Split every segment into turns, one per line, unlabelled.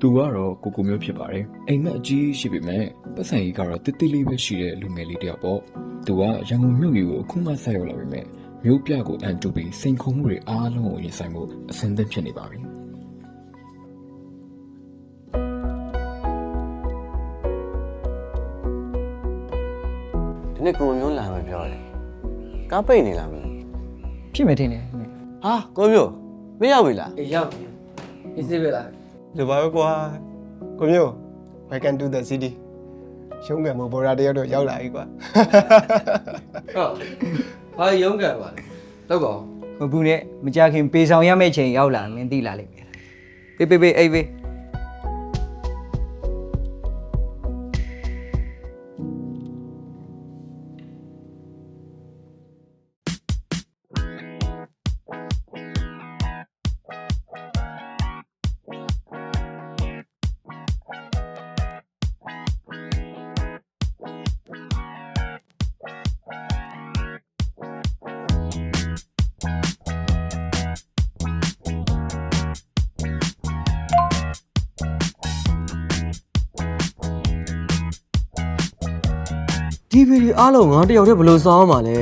သူကတော့ကိုမျိုးဖြစ်ပါတယ်အိမ်မက်အကြီးရှိပေမဲ့ပတ်စံကြီးကတော့တိတိလေးပဲရှိတဲ့လူငယ်လေးတယောက်ပေါ့သူကရန်ကုန်မြို့ကြီးကိုအခုမှဆက်ရောက်လာပေမဲ့မြို့ပြကိုအန်တူပြီးစိန်ခုံမှုတွေအားလုံးကိုရင်ဆိုင်ဖို့အဆင်သင့်ဖြစ်နေပါပြီ
ဒီနေ့ကိုမျိုးလာမယ်ပြောတယ်ကားပိတ်နေလားမလဲ
ဖြစ်မယ်ထင်တယ်
ဟာကိုမျိုးမရောက်ပြီလား
အေးရောက်ပြီအေးစေးပဲလား
လိုပါပဲကွာကိုမျိုး Welcome to the city ရှုံးကံမဘော်ရာတယောက်တော့ရောက်လာပြီကွာ
ဟုတ်ဘာရုံးကန်ပါလဲတော့ကောမဘူးနဲ့မကြခင်ပေဆောင်ရမယ့်ချိန်ရောက်လာမင်းသိလာလိမ့်မယ်ပေးအေးပေး
ဒီဗီဒီအားလုံးငါတယောက်တည်းဘယ်လိုစောင်းမှာလဲ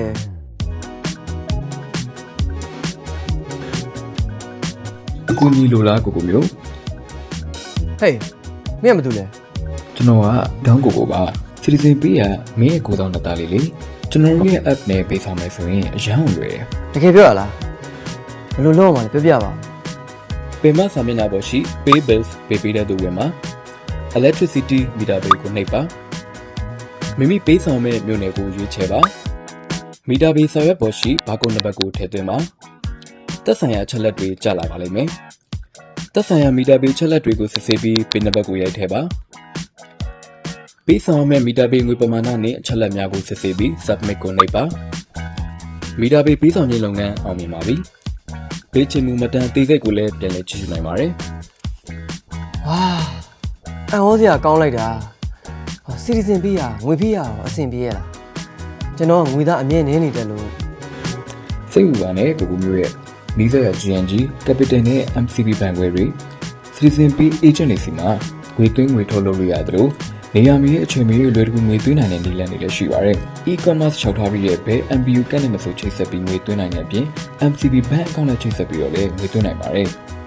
အကူကြီးလိုလားကိုမျိုး
ဟေးမင်းကမတူလဲ
ကျွန်တော်ကဒေါင်းကိုပါစီတီဇင်ပေးရမင်းရဲ့ကိုဆောင်နှစ်သားလေးလေကျွန်တော်ရဲ့ app နဲ့ပေးဆောင်မယ်ဆိုရင်အရန်လွယ်တယ်
တကယ်ပြောရလားဘယ်လိုလုပ်မှာလဲပြောပြပါ
ပင်မစာမျက်နှာပေါ်ရှိ pay bills ပေးပေးတဲ့သူတွေမှာ electricity meter bill ကိုနှိပ်ပါမိမိပေးဆောင်မဲ့မြို့နယ်ကိုရွေးချယ်ပါမီတာဘေးစာရွက်ပေါ်ရှိဘာကုန်းနံပါတ်ကိုထည့်သွင်းပါသက်ဆိုင်ရာချက်လက်တွေကြာလာပါလိမ့်မယ်သက်ဆိုင်ရာမီတာဘေးချက်လက်တွေကိုစစ်ဆေးပြီးပင်နံပါတ်ကိုရိုက်ထည့်ပါပေးဆောင်မဲ့မီတာဘေးငွေပမာဏနဲ့အချက်လက်များကိုစစ်ဆေးပြီး submit ကိုနှိပ်ပါမီတာဘေးပေးဆောင်ခြင်းလုပ်ငန်းအောင်မြင်ပါပြီပေးချင်မှုမတန်သေးစိတ်ကိုလည်းပြန်လည်ကြည့်ရှုနိုင်ပါတယ်
ဟာအံ့ဩစရာကောင်းလိုက်တာစီတီဇင်ပေးရငွေပေးရအောင်အဆင်ပြေရလားကျွန်တော်ငွေသားအမြဲနေနေတယ်လို့
စိတ်ဝင်စားတဲ့ကိုမျိုးရဲ့နီးစပ်ရာ GNG Capital နဲ့ MCB ဘဏ်ခွဲတွေ Citizen Pay Agent တွေစီမှာငွေသွင်းငွေထုတ်လုပ်လို့ရတယ်လို့နေရာမီရဲ့အချိန်မီလွယ်တကူငွေသွင်းနိုင်တဲ့နည်းလမ်းတွေလည်းရှိပါတယ် E-commerce လျှောက်ထားပြီးတဲ့ဘဲ MBU ကနဲ့မဆိုချိတ်ဆက်ပြီးငွေသွင်းနိုင်တဲ့အပြင် MCB ဘဏ်အကောင့်နဲ့ချိတ်ဆက်ပြီးတော့လည်းငွေသွင်းနိုင်ပါတယ်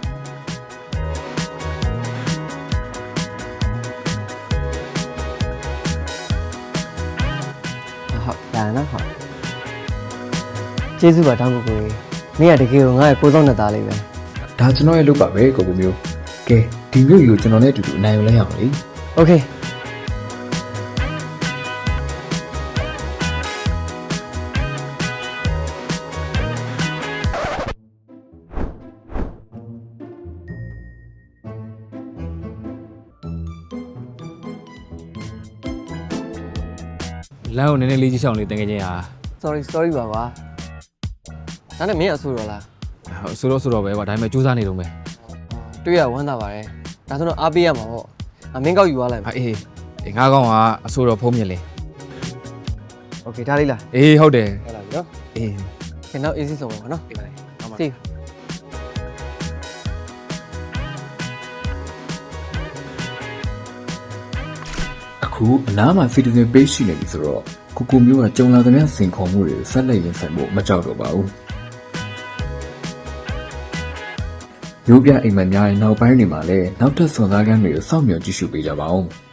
ဟုတ်ဒါနော်ဟုတ်ကျေးဇူးပါတောင်းကိုကိုမင်းကတကယ်ကိုငါ့ရဲ့ကိုဆောင်နှစ်သားလေးပဲ
ဒါကျွန်တော်ရဲ့လုပ်ပါပဲကိုမျိုးကဲဒီမျိုးကြီးကိုကျွန်တော်နဲ့အတူတူအနိုင်ယူလိုက်ရအောင်လေ
โอเค
လမ်းကိုနည်းနည်းလေးကြီးချောင်းလေးတင်ခဲ့ခြင်းဟာ
sorry ပါကွာဒါနဲ့မင်းအဆူတော့လား
ဆိုတော့ပဲကွာဒါပေမဲ့စူးစမ်းနေတော့မယ်
တွေ့ရဝမ်းသာပါတယ်ဒါဆိုတော့အားပေးရမှာပေါ့မင်းကောက်ယူသွားလိုက်မယ်
အေးငါးကောင်ကအဆိုတော့ဖုံးမြင်လေ
โอเคဒါလေးလား
အေးဟုတ်တယ်
ဟုတ်လားပြီနော်
အေး
ခင်ဗျာ easy ဆုံးပါနော်ဒီပါလေစီ
အခုအနားမှာ Citizen Pay ရှိနေပြီဆိုတော့ကိုမျိုးကကြုံလာသမျှစင်ခေါ်မှုတွေဆက်လက်ရင်ဆိုင်ဖို့မကြောက်တော့ပါဘူးမျိုးပြအိမ်မက်များရဲ့နောက်ပိုင်းတွေမှာလည်းနောက်ထပ်စွန်စားခန်းတွေကိုစောင့်မျှော်ကြည့်ရှုပေးကြပါဦး